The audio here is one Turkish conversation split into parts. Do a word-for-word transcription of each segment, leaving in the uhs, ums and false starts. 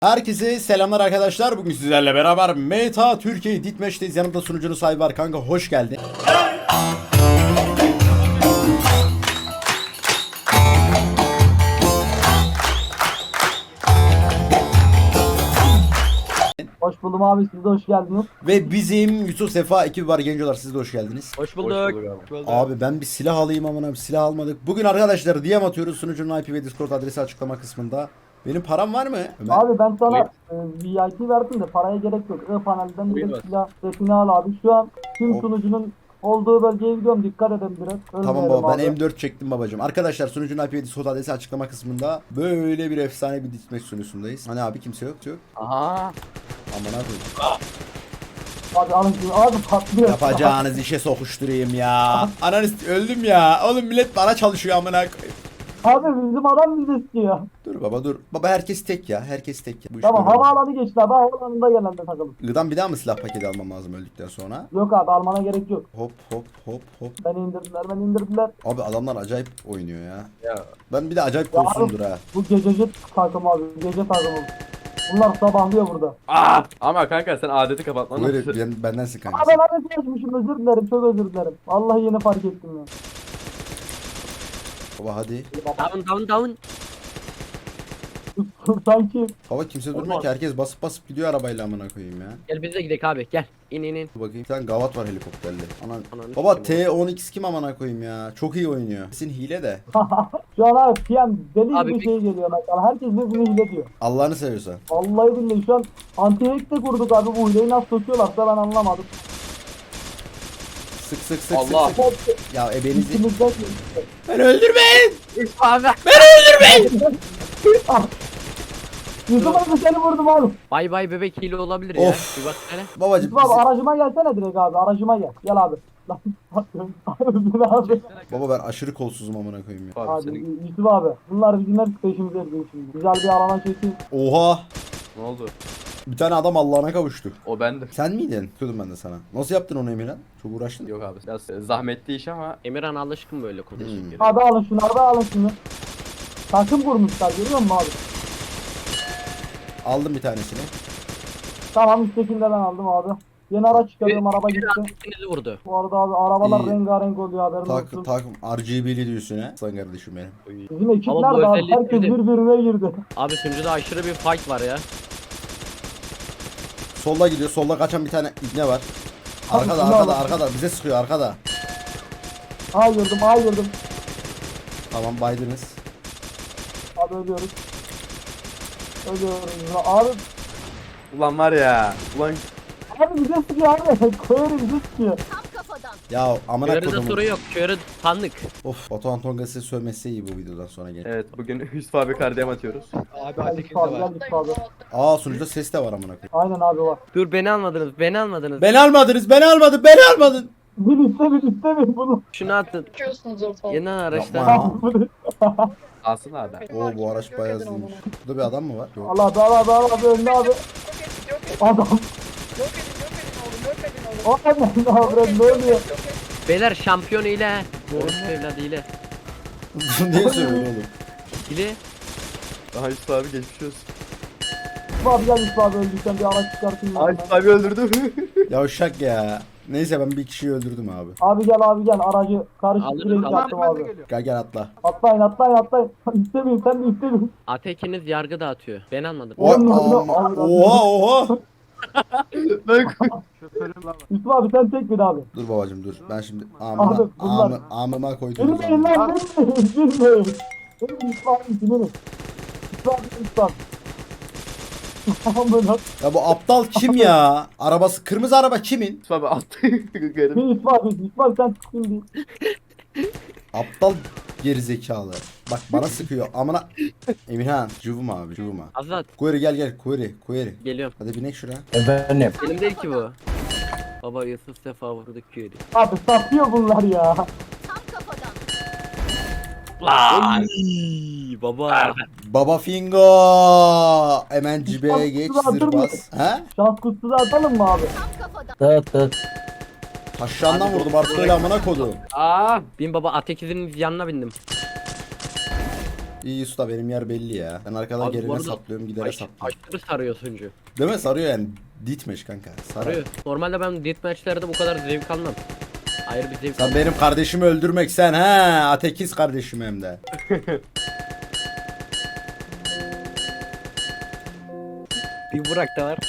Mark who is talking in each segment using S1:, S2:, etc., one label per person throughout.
S1: Herkese selamlar arkadaşlar. Bugün sizlerle beraber Meta Türkiye Ditmeş'teyiz. Yanımda sunucunun sahibi var kanka. Hoş geldin.
S2: Hoş buldum abi, siz de hoş geldiniz.
S1: Ve bizim Yusuf Sefa ekibi var gencolar. Siz de hoş geldiniz.
S3: Hoş bulduk. Hoş bulduk.
S1: Abi ben bir silah alayım aman abi, silah almadık. Bugün arkadaşlar D M atıyoruz. Sunucunun I P ve Discord adresi açıklama kısmında. Benim param var mı? Ömer.
S2: Abi ben sana e, V I P verdim de paraya gerek yok. I panelden
S3: Buyur
S2: direkt
S3: bak.
S2: silah setini al abi. Şu an tüm
S1: Hop.
S2: sunucunun olduğu bölgeye gidiyorum. Dikkat edin biraz.
S1: Tamam
S2: Ölmeyelim
S1: baba, ben
S2: abi.
S1: M dört çektim babacım. Arkadaşlar sunucunun I P ve Discord adresi açıklama kısmında böyle bir efsane bir ditmeş sunucusundayız. Hani abi kimse yok yok.
S3: Aha.
S1: Aman abi.
S2: Abi alın şunu. Abi patlıyor.
S1: Yapacağınız işe sokuşturayım ya. Ananız öldüm ya. Oğlum millet bana çalışıyor amına koyayım.
S2: Abi bizim adam bizi istiyor.
S1: Dur baba dur. Baba herkes tek ya. Herkes tek ya. Bu iş
S2: Tamam,
S1: böyle olacak.
S2: havaalanı geçti abi. Havaalanında gelen de takılın.
S1: Gıdan bir daha mı silah paketi almam lazım öldükten sonra?
S2: Yok abi, almana gerek yok.
S1: Hop hop hop hop.
S2: Beni indirdiler, beni indirdiler.
S1: Abi adamlar acayip oynuyor ya.
S3: Ya.
S1: Ben bir de acayip
S2: Ya
S1: kolsuzumdur ha.
S2: Bu gececi takım abi. Gece takımı. Bunlar sabahlıyor burada.
S3: Aa! Ama kanka sen adeti kapatman
S1: Böyle
S3: lazım.
S1: ben, bendensin
S2: Abi
S1: kankası.
S2: ben arası açmışım, özür dilerim, çok özür dilerim. Vallahi yeni fark ettim ya.
S1: Baba hadi.
S3: Down down down.
S2: Sanki
S1: Baba kimse durmuyor ki. Herkes basıp basıp gidiyor arabayla amına koyayım ya.
S3: Gel biz de gidelim abi gel. İn in in.
S1: Dur bakayım. Bir tane gavat var helikopterli. Anan.
S3: Ananı
S1: Baba
S3: sikeyim
S1: T on X kim amına koyayım ya. Çok iyi oynuyor. Kesin hile de.
S2: şu an abi P M deli
S3: Abi
S2: gibi
S3: bir-
S2: şey geliyor mesela. Herkes birbirini hile diyor.
S1: Allah'ını seviyorsan.
S2: Vallahi billahi şu an anti-hack de kurduk abi, bu hileyi nasıl sokuyorlarsa ben anlamadım.
S1: Sık sık sık
S3: Allah.
S1: sık sık. Ya ebenizi.
S2: İçimizden geçti.
S1: Ben öldürmeyin.
S3: Abi.
S2: Yusuf abi seni vurdum abi.
S3: Bay bay bebek hile olabilir
S1: Of.
S3: ya. Bir bak hele.
S1: Babacım
S2: Yusuf abi
S1: bizi-
S2: aracıma gelsene direkt abi, aracıma gel. Gel abi. Lan abi abi.
S1: Baba ben aşırı kolsuzum amına koyayım ya.
S3: Abi
S2: Abi
S3: senin
S2: Yusuf abi, bunlar bizim hep peşimize erdiği şimdi. Güzel bir alana çekin.
S1: Oha.
S3: ne oldu?
S1: Bir tane adam Allah'ına kavuştu.
S3: O bendim.
S1: Sen miydin? Tuttum ben de sana. Nasıl yaptın onu Emirhan? Çok uğraştın.
S3: Yok abi biraz zahmetli iş ama Emirhan alışkın böyle konuşuyor.
S1: Hmm.
S2: Abi alın şunu, abi alın şunu. Takım kurmuşlar, görüyor musun abi?
S1: Aldım bir tanesini.
S2: Tamam, üsttekini de ben aldım abi. Yeni araç çıkarıyorum, araba gitti.
S3: İkinizi vurdu.
S2: Bu arada abi arabalar
S1: İyi.
S2: rengarenk oluyor, haberin
S1: Tak,
S2: olsun.
S1: takım R G B'li diyorsun ha. Sen kardeşim benim.
S2: Bizim ekip
S3: Ama bu
S2: nerede abi?
S3: özelliği
S2: Herkes
S3: sevdim.
S2: birbirine girdi.
S3: Abi sunucuda aşırı bir fight var ya.
S1: Solda gidiyor. Solda kaçan bir tane ibne var.
S2: Abi,
S1: Arkada
S2: şunu
S1: arkada
S2: al.
S1: arkada. Bize sıkıyor arkada.
S2: Aa girdim, aa girdim.
S1: Tamam baydınız.
S2: Abi ölüyoruz. Ölüyoruz. Abi,
S3: Ulan var ya. Ulan
S2: abi bize sıkıyor abi. Koyarı bize sıkıyor.
S1: Ya amına
S3: körede
S1: kodumun.
S3: soru yok. Körü tanık.
S1: Of Batuhan Tonga size sövmesi iyi bu videodan sonra gel.
S3: Evet bugün Hüsnü abi kardiyem atıyoruz.
S4: Abi
S2: Gel
S4: Atekin
S2: Yusuf
S4: de
S2: abi,
S4: var.
S2: gel Yusuf abi.
S1: Aa sunucuda ses de var amına koyayım.
S2: Aynen abi var.
S3: Dur beni almadınız. Beni almadınız.
S1: Beni almadınız. Beni almadın. Beni almadın.
S2: Bir iste bir iste bir bunu.
S3: Şunu atın.
S4: Çıkıyorsunuz ortalığa.
S3: Yeni araçlar.
S1: Yapma.
S3: Alsın abi.
S1: Oo bu araç bayağı hızlıymış. Burada bir adam mı var? Yok.
S2: Allah abi abi abi abi önde abi.
S4: Yok edin, yok edin,
S2: Adam.
S4: yok edin, yok edin oğlum, yok edin oğlum.
S2: O ne abi, ne oluyor?
S3: Beyler şampiyon ile. Orospu evladı ile.
S1: Niye söylüyorsun oğlum?
S3: İle.
S5: Daha Hüsnü abi geçmiş olsun.
S2: Yusuf abi gel, Yusuf abi öldüysen bir araç çıkartayım ben.
S5: Hüsnü abi öldürdü.
S1: Yavşak ya. Neyse ben bir kişiyi öldürdüm abi.
S2: Abi gel abi gel, aracı karışık
S3: Alırız,
S2: direkt
S3: alırız.
S2: yaptım abi.
S1: Gel gel atla.
S2: Atlayın atlayın atlayın. İstemeyin, sen de istemeyin.
S3: Atekiniz yargı dağıtıyor. Ben almadım.
S1: O,
S2: Oğlum,
S1: ama-
S2: Allah Allah.
S1: oha oha.
S5: Ben
S2: Yusuf abi sen tek bir abi.
S1: Dur babacım dur. Ben şimdi amına
S2: Abi, bunlar-
S1: amı, amıma koydum.
S2: Bilmeyin lan, bilmeyin, bilmeyin. Benim Yusuf abi bilmeyin. Yusuf abi, Yusuf abi. Tamam böyle.
S1: Ya bu aptal kim ya? Arabası kırmızı araba kimin?
S5: Hüsnü abi attı. Garip.
S2: Bir Yusuf abi, Yusuf abi sen çıkın diye.
S1: Aptal gerizekalı. Bak bana sıkıyor. Amına Emirhan, cıvıma abi, cıvıma.
S3: Azat
S1: Query gel gel, query, query.
S3: geliyorum.
S1: Hadi binek şuraya.
S3: Benim değil ki bu. Baba Yusuf Sefa vurdu köyü.
S2: Abi satıyor bunlar ya.
S3: Lan. Baba.
S1: Baba Fingo. Hemen cibeye geç,
S2: Atır
S1: zır
S2: mı?
S1: bas. He?
S2: Şans kutusu da atalım mı abi?
S1: Taşlarından vurdum artık öyle amına kodu.
S3: Aa. Bin baba Atekiz'in yanına bindim.
S1: İyi usta benim yer belli ya. Ben arkadan
S3: Abi bu
S1: gerine
S3: arada
S1: saplıyorum gidere
S3: Aş,
S1: saplıyorum.
S3: aşırı sarıyor sunucu.
S1: Değil mi? Sarıyor yani. Ditmeş kanka. Sarar.
S3: Sarıyor. Normalde ben deathmatchlerde bu kadar zevk almam. Ayrı bir zevk
S1: Sen benim kardeşimi öldürmek sen ha atekiz kardeşim hem de.
S3: Bir Burak da var.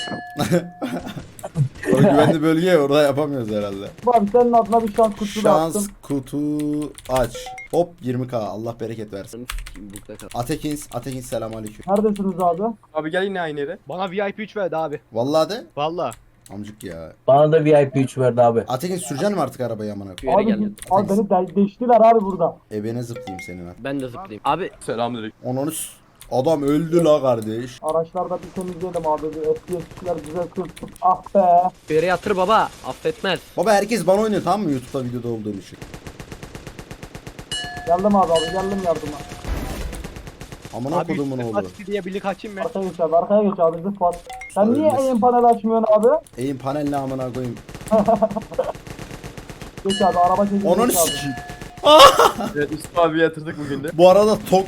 S1: O güvenli bölge orada yapamıyoruz herhalde.
S2: Abi senin adına bir şans kutusu da
S1: Şans
S2: attım.
S1: kutu aç. Hop yirmi k Allah bereket versin.
S3: Burada kal.
S1: Atekins, Atekins selamünaleyküm.
S2: Neredesiniz abi?
S5: Abi gel yine aynı yere.
S4: Bana V I P üç verdi abi.
S1: Vallahi de
S4: Valla.
S1: amcık ya.
S6: Bana da V I P üç verdi abi.
S1: Atekins süreceksin mi artık arabayı amına
S3: Şu yere
S2: Abi,
S3: geldim.
S2: abi beni de deştiler abi burada.
S1: Ebene zıplayayım senin ha.
S3: Ben de zıplayayım. Abi
S5: Selamünaleyküm.
S1: Onu adam öldü la kardeş.
S2: Araçlarda bir temizleyelim abi. Bir F P S'ler güzel kılsın. Ah be.
S3: bir yere yatır baba. Affetmez.
S1: Baba herkes bana oynuyor tamam mı YouTube'da videoda olduğum için.
S2: Geldim abi abi geldim yardıma.
S1: Amına
S4: Abi
S1: kodumun
S4: üstüne
S1: oğlu.
S4: Fatih diye birlik açayım mı?
S2: Arkaya geç abi arkaya geç abi zıplat. Sen niye
S1: Ölmesin.
S2: eğim panel açmıyorsun abi?
S1: Eğim panelle amına koyayım.
S2: Geç abi araba çekin.
S1: Onun
S2: geç abi.
S1: sikiyim.
S5: Evet Yusuf abi yatırdık bugün de.
S1: Bu arada tok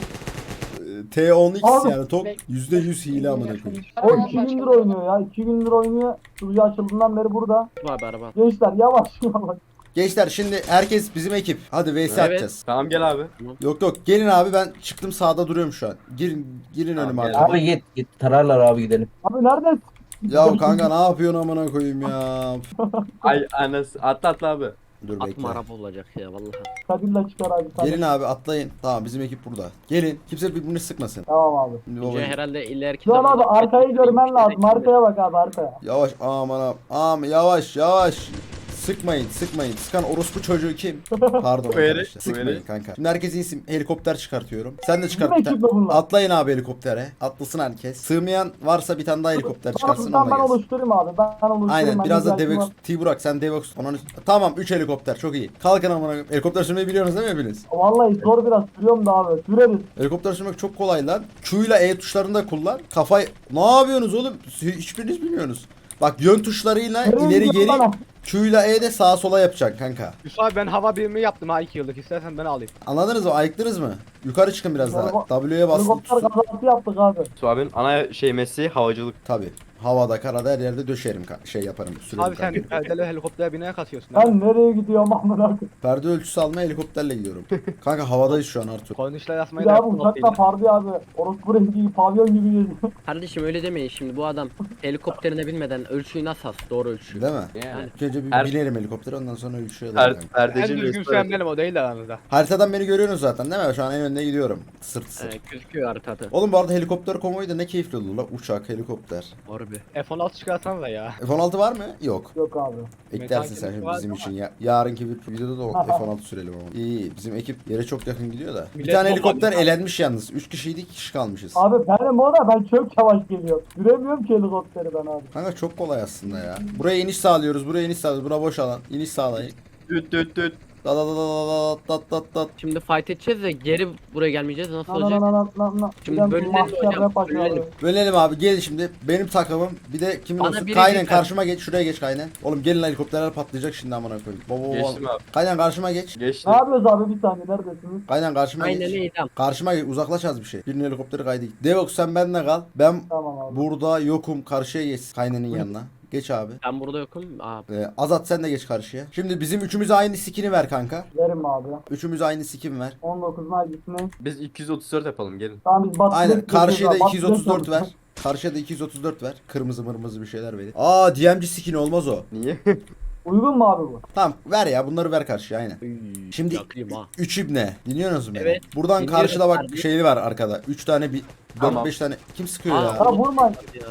S1: e, T on X
S2: Abi.
S1: yani tok yüzde yüz hile amına koyayım.
S2: O iki gündür oynuyor ya. iki gündür oynuyor. Suyu açıldığından beri burada.
S3: Abi araba.
S2: Gençler yavaş yavaş.
S1: Gençler şimdi herkes bizim ekip. Hadi V S
S3: Evet.
S1: atacağız.
S5: Tamam gel abi.
S1: Yok yok gelin abi ben çıktım sağda duruyorum şu an. Girin girin
S5: Tamam,
S1: önüme
S5: gel.
S1: abi.
S6: Abi git git tararlar abi gidelim.
S2: Abi neredesin?
S1: Ya kanka ne yapıyorsun amına koyayım ya.
S5: Ay anası atla atla abi.
S1: Dur bekle.
S3: Atma araba olacak ya vallahi.
S2: Kadir'le çıkar abi. Tamam.
S1: Gelin abi atlayın. Tamam bizim ekip burada. Gelin. Kimse birbirini sıkmasın.
S2: Tamam abi.
S1: Şimdi baba-
S3: Önce herhalde ileriki
S2: Şu an abi
S3: zamanda-
S2: arkayı görmen lazım. Arkaya bak abi arkaya.
S1: Yavaş aman abi. Aman yavaş yavaş. Sıkmayın sıkmayın. Sıkan orospu çocuğu kim? Pardon
S5: Bu yere-
S1: arkadaşlar.
S5: bu
S1: Sıkmayın
S5: yere.
S1: kanka. Şimdi herkes insin. Helikopter çıkartıyorum. Sen de çıkart.
S2: Bizim
S1: bir tane.
S2: ekiple bunlar.
S1: Atlayın abi helikoptere. Atlasın herkes. Sığmayan varsa bir tane daha helikopter çıkarsın
S2: Tamam
S1: onunla
S2: ben
S1: gelsin.
S2: oluşturayım abi. Ben oluşturayım.
S1: Aynen
S2: Ben
S1: biraz da
S2: güzel
S1: Devex
S2: var.
S1: T-Burak sen Devex onun tamam üç helikopter çok iyi. Kalkın amına koyayım. Helikopter sürmeyi biliyorsunuz değil mi hepiniz?
S2: Vallahi zor biraz sürüyorum da abi. Süreriz.
S1: Helikopter sürmek çok kolay lan. Q ile E tuşlarını da kullan. Kafayı ne yapıyorsunuz oğlum? Hiçbiriniz bilmiyorsunuz. Bak yön tuşlarıyla
S2: Nereye
S1: ileri
S2: gidiyorsun
S1: geri
S2: bana?
S1: Q ile E de sağa sola yapacaksın kanka.
S4: Yusuf abi ben hava birimi yaptım ha iki yıllık. İstersen ben alayım.
S1: Anladınız mı? Ayıktınız mı? Yukarı çıkın biraz daha.
S2: Heliko-
S1: W'ye basın.
S2: Helikopter
S1: tutsun.
S2: kazası yaptık abi.
S5: Yusuf abinin ana şey mesleği havacılık.
S1: Tabi. Havada, karada her yerde döşerim ka- şey yaparım. Sürerim
S4: Abi sen
S1: kanka.
S4: perdeli helikoptere bineye kasıyorsun. abi.
S2: Ben nereye gidiyorum amına koyayım?
S1: Perde ölçüsü almaya helikopterle gidiyorum. Kanka havadayız şu an Artur.
S4: Konuşlar yazmayı
S2: Bir
S4: da
S2: abi
S4: yaptım.
S2: uçakla pardi abi. Orospu rengi pavyon gibi geziyor.
S3: Kardeşim öyle demeyin şimdi bu adam helikopterine binmeden ölçüyü nasıl as? Doğru ölçü.
S1: Değil mi?
S5: Yani.
S1: İlk önce bir
S5: Her-
S1: binerim helikoptere ondan sonra ölçüye
S5: Per,
S1: alırım.
S4: En
S5: perdeci
S4: düzgün
S5: Yusuf
S4: süren
S5: abi.
S4: benim o değil de aranızda.
S1: Haritadan beni görüyorsunuz zaten değil mi? Şu an en önde gidiyorum. Sırt sırt.
S3: Ee, gözüküyor haritada.
S1: Oğlum bu arada helikopter konvoyu da ne keyifli olur la. Uçak, helikopter.
S3: Harbi.
S4: F on altı çıkarsan da ya.
S1: F on altı var mı? Yok.
S2: Yok abi.
S1: Eklersin sen
S4: Metal
S1: şimdi
S4: var
S1: bizim
S4: ama.
S1: için. Ya, yarınki bir videoda da F on altı sürelim ama. İyi iyi. Bizim ekip yere çok yakın gidiyor da. Bir
S4: Millet
S1: tane
S4: bomba
S1: helikopter
S4: atıyor.
S1: elenmiş yalnız. üç kişiydik iki kişi kalmışız.
S2: Abi benim o da ben çok yavaş geliyorum. Süremiyorum ki helikopteri ben abi.
S1: Kanka çok kolay aslında ya. Buraya iniş sağlıyoruz. Buraya iniş sağlıyoruz. Bura boş alan. İniş sağlayın.
S5: Düt düt düt.
S1: Da da da da da da da da da.
S3: Şimdi fight edeceğiz de geri buraya gelmeyeceğiz. Nasıl
S2: Na na
S3: olacak?
S2: na na na na.
S3: Şimdi
S2: Bir de
S3: bölünelim
S2: mahşer
S3: hocam,
S2: rap açıyor
S3: bölünelim.
S2: abi.
S1: Bölelim abi gelin şimdi. Benim takımım. Bir de kimin
S3: Bana
S1: olsun?
S3: biri
S1: Kaynen
S3: yeter.
S1: karşıma geç. Şuraya geç Kaynen. Oğlum gelin lan, helikopterler patlayacak şimdi amına koyayım. Baba baba.
S5: Geçtim abi.
S1: Kaynen karşıma geç.
S5: Geçtim.
S2: Ne yapıyoruz abi bir saniye neredesiniz?
S1: Kaynen karşıma
S3: Aynen
S1: geç.
S3: iyi tamam.
S1: Karşıma geç. Uzaklaş az bir şey. Birinin helikopteri kaydı. Devox sen benimle kal. Ben
S2: Tamam abi.
S1: burada yokum. Karşıya geç. Kaynenin yanına. Geç abi.
S3: Ben burada yokum. Aa,
S1: Ee, Azat sen de geç karşıya. Şimdi bizim üçümüze aynı skin'i ver kanka.
S2: Verim abi.
S1: Üçümüz aynı skin ver.
S2: on dokuz Nice'sini.
S5: Biz iki yüz otuz dört yapalım gelin.
S2: Tamam biz batı.
S1: Aynen. Karşıya da iki yüz otuz dört ver. Karşıya da iki yüz otuz dört ver. Kırmızı mırmızı bir şeyler verin. Aa D M G skin olmaz o.
S5: Niye?
S2: Uygun mu abi bu?
S1: Tamam ver ya bunları ver karşıya aynen.
S3: üy,
S1: Şimdi
S3: yakayım ha.
S1: üç ibne. Dinliyorsunuz mu beni?
S3: Evet,
S1: Buradan
S3: dinliyorum
S1: karşıda bak
S3: kardeşim.
S1: şeyli var arkada. üç tane bir dört
S5: Tamam.
S1: beş tane. Kim sıkıyor
S3: Aa,
S1: ya?
S2: Ha vurma.
S3: Ya.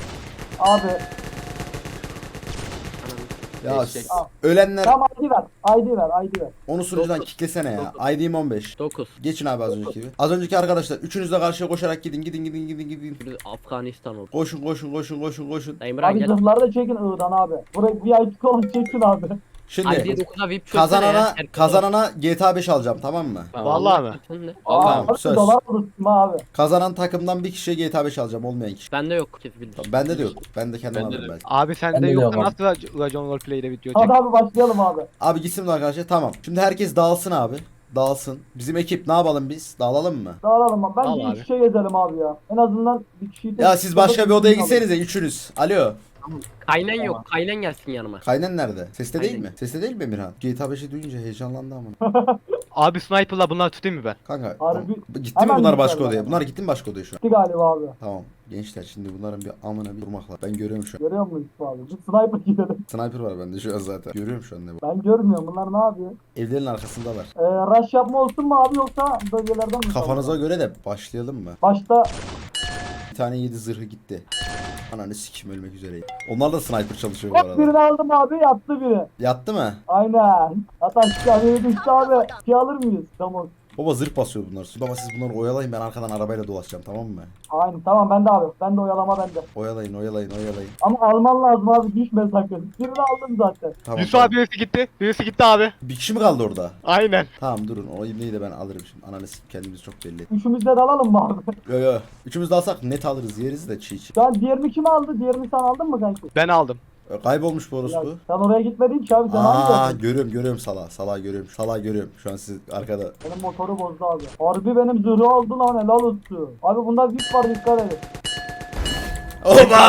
S2: Abi.
S1: Ya
S5: Eşek.
S1: s- ölenler
S2: Tamam I D ver. I D ver. I D ver.
S1: onu sunucudan
S3: Dokuz.
S1: kitlesene ya.
S3: Dokuz.
S1: I D'm on beş.
S3: dokuz.
S1: Geçin abi az önceki gibi. Az önceki arkadaşlar üçünüz de karşıya koşarak gidin gidin gidin gidin gidin.
S3: Şimdi Afganistan oldu.
S1: Koşun koşun koşun koşun koşun.
S3: Emrah
S2: Abi
S3: gel.
S2: zırhları da çekin Iğdan abi. Buraya V I P olan çekin abi.
S1: Şimdi
S3: I D dokuza V I P çözsene
S1: kazanana
S3: ya. Herkes
S1: kazanana G T A beş alacağım tamam mı?
S5: Tamam.
S4: Vallahi mi?
S3: Sen de.
S5: Allah.
S1: Tamam,
S2: Abi
S1: söz.
S2: dolar alırsın abi.
S1: Kazanan takımdan bir kişiye G T A beş alacağım olmayan kişi.
S3: Bende yok. Kes bilir.
S1: Tamam, bende de yok. Ben de kendim
S5: Bende
S1: alırım
S5: de.
S1: belki.
S4: Abi
S6: Ben
S4: sende
S6: de
S4: yoksa
S6: devam.
S4: nasıl Racon Roleplay'de video çek?
S2: Hadi abi başlayalım abi.
S1: Abi gitsin mi arkadaşlar? Tamam. Şimdi herkes dağılsın abi. dağılsın. Bizim ekip ne yapalım biz? Dağılalım mı?
S2: Dağılalım abi. Bence
S3: Al
S2: iki
S3: abi.
S2: kişiye gezelim abi ya. En azından bir kişiyi...
S1: Ya siz başka bir odaya gitsenize üçünüz. Alo.
S3: Kaynan yok. Kaynan gelsin yanıma.
S1: Kaynan nerede? Seste değil
S3: Kaynan.
S1: mi? Seste değil mi Emirhan? G T A beşi duyunca heyecanlandı ama.
S7: Abi sniper'la bunlar tutayım mı ben?
S1: Kanka
S2: Harbi-
S1: gitti mi
S2: Hemen
S1: bunlar
S2: gittiler
S1: başka
S2: bana.
S1: odaya? Bunlar gitti mi başka odaya şu an?
S2: Gitti galiba abi.
S1: Tamam. Gençler şimdi bunların bir amına bir durmakla. Ben görüyorum şu an.
S2: Görüyor musun Yusuf abi? Bir sniper gidelim.
S1: Sniper var bende şu an zaten. Görüyorum şu an ne bu.
S2: Ben görmüyorum. Bunlar ne yapıyor?
S1: Evlerin arkasındalar.
S2: Ee, rush yapma olsun mu abi yoksa bölgelerden mi?
S1: Kafanıza göre de başlayalım mı?
S2: Başta
S1: Bir tane yedi zırhı gitti. Ananı sikim ölmek üzereyim. Onlar da sniper çalışıyor bu
S2: hop
S1: arada.
S2: birini aldım abi yattı biri.
S1: Yattı mı?
S2: Aynen. Hatta şu caneye düştü abi. Şey alır mıyız? Tamam.
S1: Baba zırh basıyor bunlar. Baba siz bunları oyalayın, ben arkadan arabayla dolaşacağım, tamam mı?
S2: Aynen tamam ben de abi. Ben de oyalama bende.
S1: Oyalayın oyalayın oyalayın.
S2: Ama alman lazım abi düşme sakın. Birini aldım zaten.
S1: Tamam,
S7: Yusuf
S1: tamam.
S7: abi birisi gitti. Birisi gitti abi.
S1: Bir kişi mi kaldı orada?
S7: Aynen.
S1: Tamam durun, o ibneyi de ben alırım şimdi. Ananı sikim, kendimizi çok belli ettik.
S2: Üçümüz de dalalım mı abi?
S1: Yo yo. Üçümüz de alsak net alırız, yeriz de çiğ çiğ.
S2: Şu an diğerini kim aldı? Diğerini sen aldın mı kanki?
S7: Ben aldım.
S1: E, Kaybolmuş bu
S2: Ya,
S1: orospu.
S2: sen oraya gitmedin ki abi sen
S1: Aa
S2: hangi
S1: görüyorum görüyorum sala. Sala görüyorum. Sala görüyorum. Şu an siz arkada.
S2: Benim motoru bozdu abi. Harbi benim zırhı aldı lan helal olsun. Abi bunda vip var dikkat edin.
S1: Oba!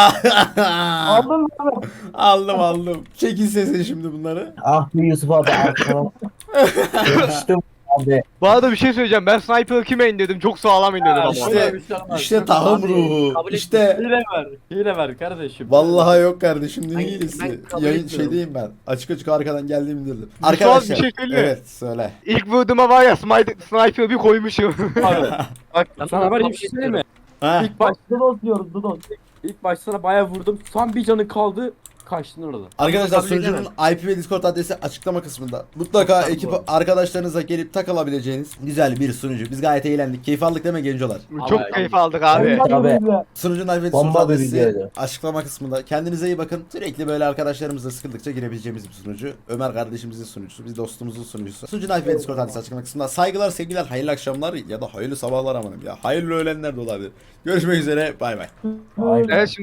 S2: Aldın mı abi?
S1: aldım aldım. Çekin sesini şimdi bunları.
S6: Ah bir Yusuf abi arkana. Yapıştım abi.
S7: Bu arada bir şey söyleyeceğim. Ben sniper'ı kime indirdim? Çok sağlam indirdim ama.
S1: işte-
S5: Bir şey olmaz.
S1: İşte tahım
S5: Abi,
S1: ruhu.
S3: kabul
S1: İşte
S5: Hile ver. Hile ver kardeşim.
S1: vallahi yok kardeşim ne
S3: Ben-
S1: iyilisi.
S3: ben kabul
S1: Yayın
S3: etmiyorum.
S1: şeydeyim ben. Açık açık arkadan geldiğimi indirdim.
S7: bir
S1: Arkadaşlar.
S7: şey söyleyeyim mi?
S1: Evet söyle.
S7: İlk vurduğuma var ya sniper, sniper bir koymuşum.
S5: Abi, bak
S3: Tamam,
S5: sana var ya bir
S3: kabul
S5: şey söyleyeyim mi?
S1: Ha?
S5: İlk baş
S2: Dudos diyoruz Dudos.
S5: ilk başta sana bayağı vurdum. Son bir canı kaldı. Kaçtın orada.
S1: Arkadaşlar
S3: Kabul
S1: sunucunun
S3: edemem.
S1: I P ve Discord adresi açıklama kısmında. Mutlaka
S3: Tamam,
S1: ekip
S3: bu.
S1: arkadaşlarınızla gelip takılabileceğiniz güzel bir sunucu. Biz gayet eğlendik. Keyif aldık değil mi gencolar?
S7: Çok
S5: Abi,
S7: keyif aldık abi.
S2: Hadi
S6: Tabii.
S2: bize.
S1: Sunucunun I P ve Discord
S6: Bomba bir
S1: adresi
S6: videoydu.
S1: açıklama kısmında. Kendinize iyi bakın. Sürekli böyle arkadaşlarımızla sıkıldıkça girebileceğimiz bir sunucu. Ömer kardeşimizin sunucusu. Biz dostumuzun sunucusu. Sunucunun I P ve Discord adresi açıklama kısmında. Saygılar, sevgiler, hayırlı akşamlar ya da hayırlı sabahlar amanım ya. Hayırlı öğlenler de olabilir. Görüşmek üzere. Bay bay.
S6: Aynen.
S7: Evet şimdi